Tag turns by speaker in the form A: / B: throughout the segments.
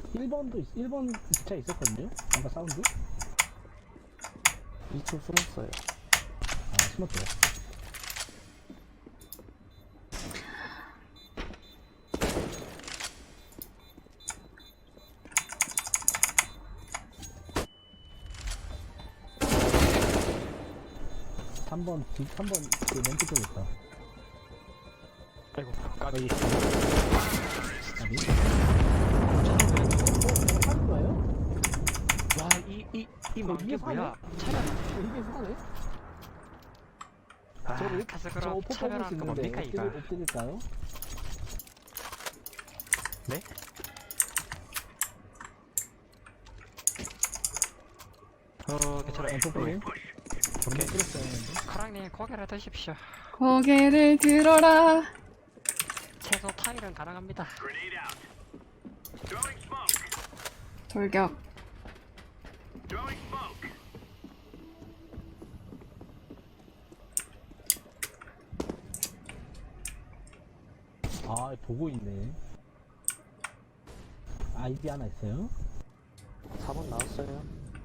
A: 1번 기차 있었거든요? 아까 사운드?
B: 2층 숨었어요.
A: 아, 숨었죠. 삼번 그 멘트 쪽에 있다.
B: 아이고,
A: 여기.
B: 까비.
A: 아니? 사는 거예요?
B: 와, 이 망게
A: 이게
B: 뭐야?
A: 이게 사네?
B: 아,
A: 저거
B: 가서
A: 저
B: 그럼
A: 포
B: 차별하는 거
A: 뽑을 수
B: 뭡니까,
A: 있는데
B: 이거?
A: 엎드릴까요?
B: 네? 괜찮아요.
A: 엠포폴링?
B: 오케이.
A: 끌었어요.
B: 카랑님, 고개를 드십시오.
C: 고개를 들어라.
B: 최소 타일은 가능합니다.
C: 돌격.
A: 아, 보고 있네. 아이디 하나 있어요?
B: 4번 나왔어요.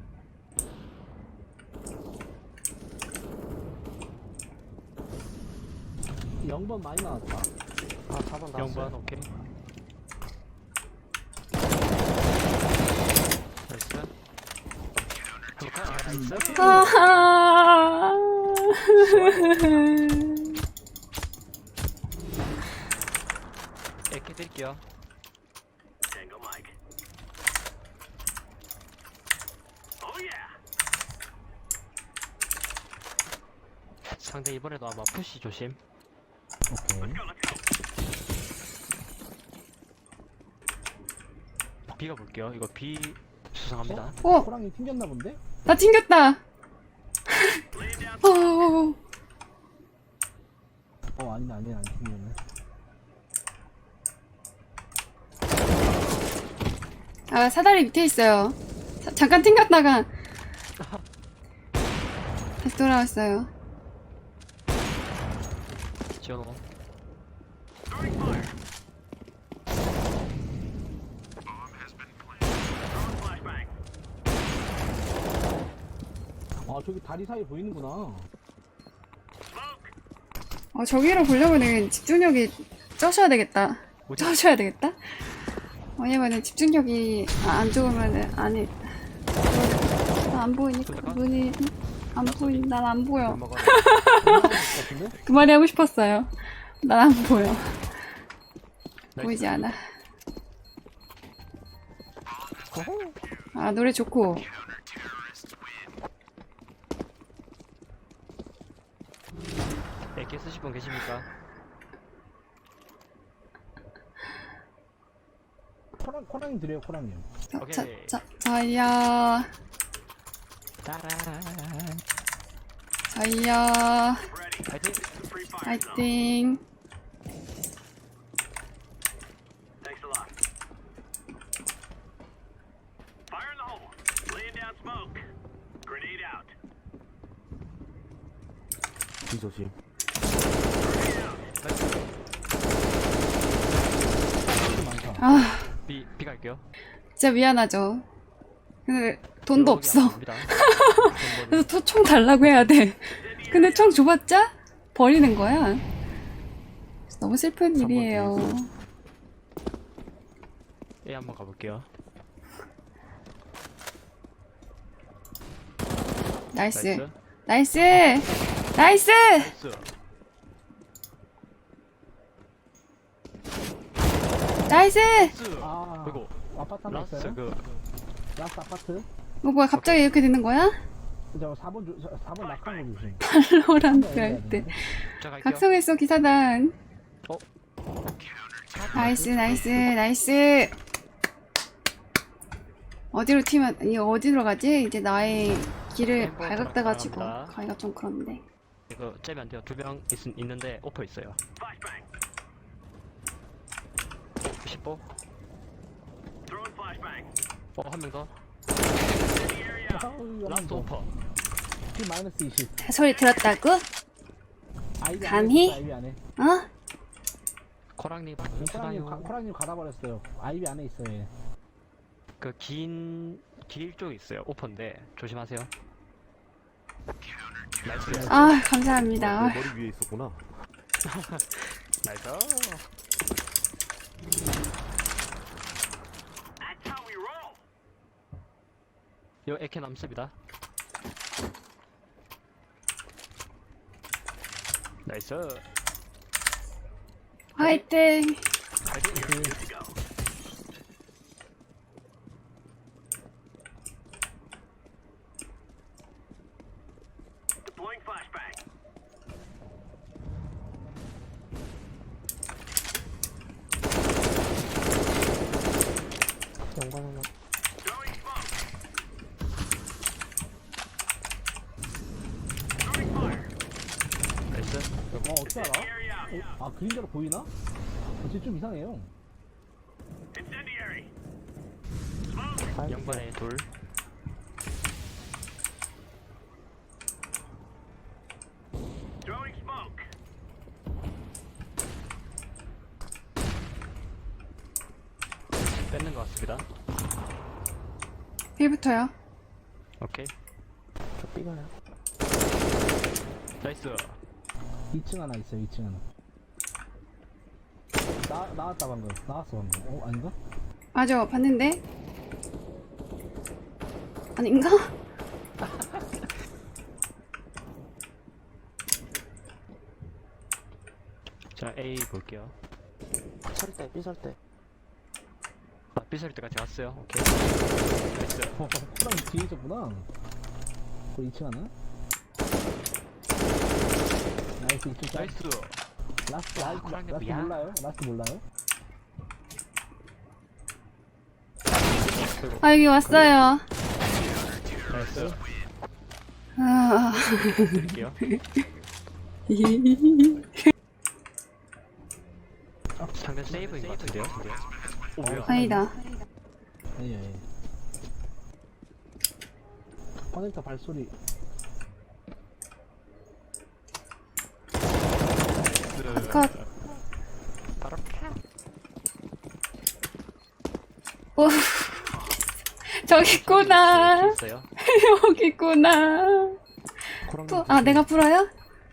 A: 영번 많이 나왔다.
B: 아, 4번 나왔어요. 0번, 오케이. 나이스. 나이스.
C: 아하.
B: 이렇게 드릴게요. 상대 이번에도 아마 푸시 조심.
A: 오케이.
B: B가 볼게요. 이거 B 수상합니다.
C: 어,
A: 호랑이 튕겼나 본데?
C: 나 튕겼다.
A: 아니네, 안 튕겼네.
C: 아, 사다리 밑에 있어요. 잠깐 튕겼다가 다시 돌아왔어요.
B: 지원호.
A: 아, 저기 다리 사이 보이는구나.
C: 저기로 보려면은 집중력이 쩌셔야 되겠다.
B: 뭐지?
C: 쩌셔야 되겠다. 왜냐면은 집중력이 안 좋으면은 안에 안 보이니까 눈이 안 보인. 난 안 보여.
B: 먹어라.
A: 같은데?
C: 그 말이 하고 싶었어요. 난 안 보여. 보이지 않아. 아, 노래 좋고.
B: AK 쓰실 분 계십니까?
A: 코랑이 드려요, 코랑이.
B: 오케이.
C: 자이야.
B: 따란.
C: 자이야.
B: 파이팅!
C: 파이팅.
A: 뒤 조심.
C: 아,
B: B 갈게요.
C: 진짜 미안하죠. 근데 돈도 없어.
B: 없습니다.
C: 그래서 총 달라고 해야 돼. 근데 총 줘봤자 버리는 거야. 너무 슬픈 일이에요.
B: A 한번 가볼게요.
C: 나이스. 나이스. 나이스.
B: 나이스.
C: 나이스.
A: 아,
B: 그리고
A: 아파트 하나
B: 라스트
A: 있어요? 라스트 아파트?
C: 뭐야 갑자기 이렇게 되는 거야?
A: 저 4번 낙한 거 조심.
C: 발로란트 할 때.
B: 자 갈게요.
C: 각성했어 기사단.
B: 어?
C: 나이스 나이스 나이스. 어디로 튀면 이 어디로 가지? 이제 나의 길을
B: 햄버거
C: 발각돼가지고
B: 감사합니다.
C: 가기가 좀 그런데.
B: 이거 째면 안 돼요. 2명 있는데 오퍼 있어요. 10보. 한 명 더. 라스트 오퍼.
A: P 마이너스 20.
C: 소리 들었다고?
A: 아이디
C: 감히?
A: 아이비 안에.
C: 어?
B: 코랑님
A: 코랑님
B: 수나요.
A: 코랑님 가다 버렸어요. 아이비 안에 있어요. 얘.
B: 그 길 쪽에 있어요. 오픈데 조심하세요. 나이스.
C: 아, 감사합니다.
D: 내 머리 위에 있었구나.
B: 나이스. 요 에케 남습니다. 나이스.
C: 화이팅!
B: 파이팅.
D: 연관 하나.
B: 나이스.
A: 어떻게 알아? 아, 그림자로 보이나? 진짜 좀 이상해요.
B: 영번에 돌. 뺏는 것 같습니다.
C: 빌부터요.
B: 오케이.
D: 저 삐가요.
B: 나이스.
A: 2층 하나 있어요, 2층 하나. 나왔다, 방금. 나왔어, 방금. 아닌가?
C: 맞아, 봤는데? 아닌가?
B: 자, A 볼게요.
D: 설 때, 삐설 때.
B: 아, 삐소리 때까지 왔어요. 오케이. 나이스.
A: 호랑이 뒤에 있었구나. 그 2층 하나. 나이스, 2층 짤.
B: 나이스.
A: 라스트,
B: 호랑이
A: 라스트
B: 뭐야?
A: 몰라요? 라스트 몰라요?
C: 아, 여기 왔어요.
B: 나이스.
C: 아,
B: 드릴게요. 상대 세이브인 것 같은데요? 오, 뭐야?
C: 아니다.
A: 예. 커넥터 발소리.
C: 컷.
B: 바로
C: 오, 저기 있구나.
B: 있어요.
C: 여기 있구나.
D: 호랑이.
C: 또, 아, 내가 풀어요?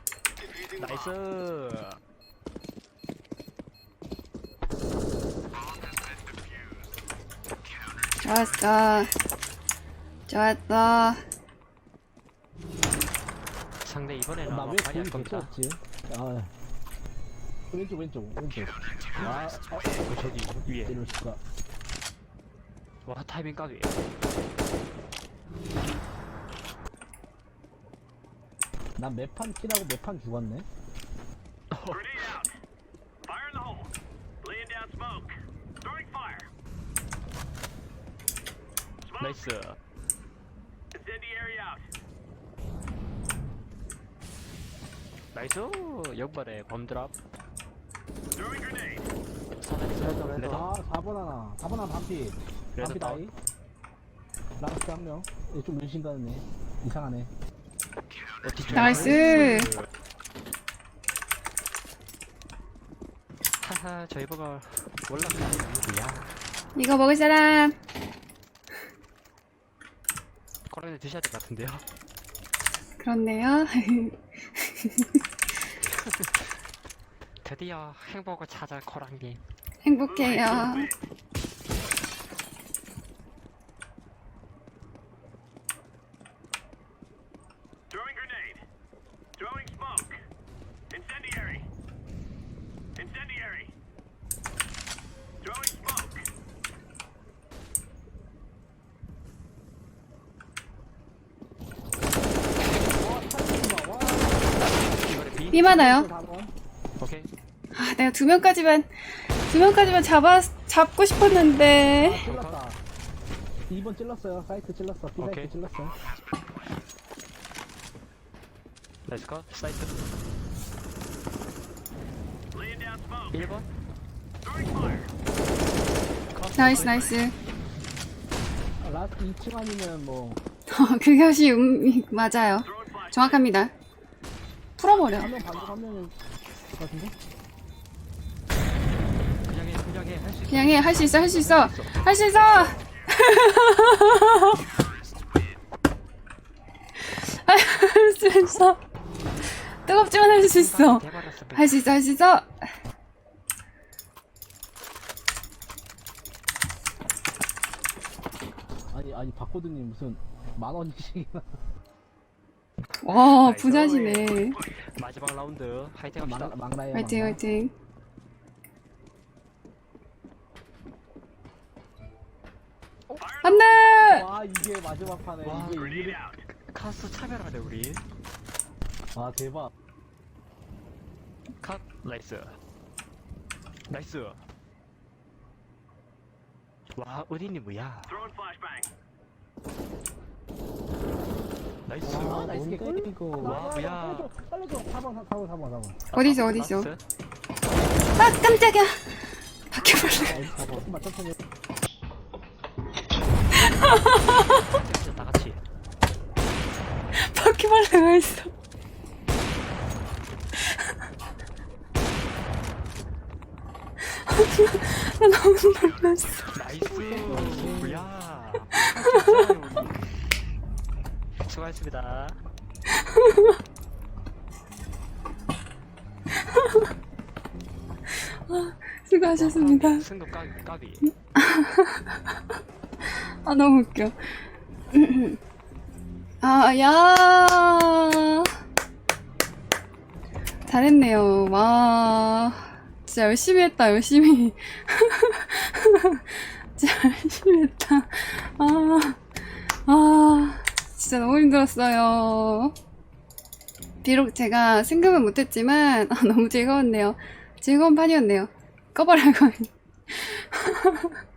B: 나이스.
C: 좋았어. 좋았어.
B: 상대 이번에는
A: 나
B: 아마
A: 왜
B: 많이 할
A: 거기
B: 겁니다.
A: 됐었지? 아. 왼쪽. 아,
B: 저기 위에.
A: 이럴 수가.
B: 와, 타이밍 까비.
A: 난 매판 킬하고 매판 죽었네.
B: 나이스. 나이스. 역발에 범드랍. 레더.
A: 아, 4번 하나. 4번 하나 반피.
B: 그래서
A: 반피 나이. 라스트 한 명. 얘 좀 의심 가네. 이상하네.
C: 나이스.
B: 하하, 저희 버거 올라가는 누구야?
C: 이거 먹을 사람.
B: 코랑이 드셔야 될 것 같은데요?
C: 그렇네요.
B: 드디어 행복을 찾아 코랑님.
C: 행복해요.
B: 이번에 B.
C: 비 많아요.
A: 4번.
B: 오케이.
C: 아, 내가 두 명까지만 잡고 싶었는데.
A: 찔렀다. 2번 찔렀어요. 사이트 찔렀어. B
B: 오케이.
A: 사이트 찔렀어.
B: 나이스 컷. 사이트. 1번.
C: 나이스, 나이스.
A: 아, 라스트 2층 아니면 뭐.
C: 그것이 맞아요. 정확합니다. 풀어버려.
A: 한 명 반죽 한 명일 것 같은데?
B: 그냥 해. 할 수 있어.
C: 그냥 해. 할 수 있어. 할 수 있어. 할 수 있어. 할 수 있어. 뜨겁지만 할 수 있어.
B: 대박이었어.
C: 할 수 있어, 할 수 있어.
A: 아니 박호드님 무슨 10,000원씩이나.
C: 와,
B: 나이스.
C: 부자시네.
B: 마지막 라운드 화이팅 합시다.
A: 망라야.
C: 화이팅, 화이팅. 안 돼!
A: 와 이게 마지막 판에
B: 와,
A: 이게 의미를.
B: 카스 차별하네 우리.
A: 와 대박.
B: 컷. 나이스. 나이스. 와, 은희님 뭐야? 나이스.
A: 아, 나이스 개꿀.
D: 뭔데, 이거.
B: 와, 뭐야.
A: 빨리 줘. 4번.
C: 어디서, 어디서?
B: 나이스.
C: 아, 깜짝이야. 바퀴벌레.
A: 조금만 천천히.
B: 진짜 다 같이.
C: 바퀴벌레가 있어. 나 너무 놀랐어.
B: 나이스. 뭐야. 수고하셨습니다.
C: 수고하셨습니다.
B: 승도 까비.
C: 아, 너무 웃겨. 아, 야. 잘했네요. 와. 진짜 열심히 했다, 열심히. 진짜 열심히 했다. 진짜 너무 힘들었어요. 비록 제가 승급은 못했지만, 너무 즐거웠네요. 즐거운 판이었네요. 꺼버려고.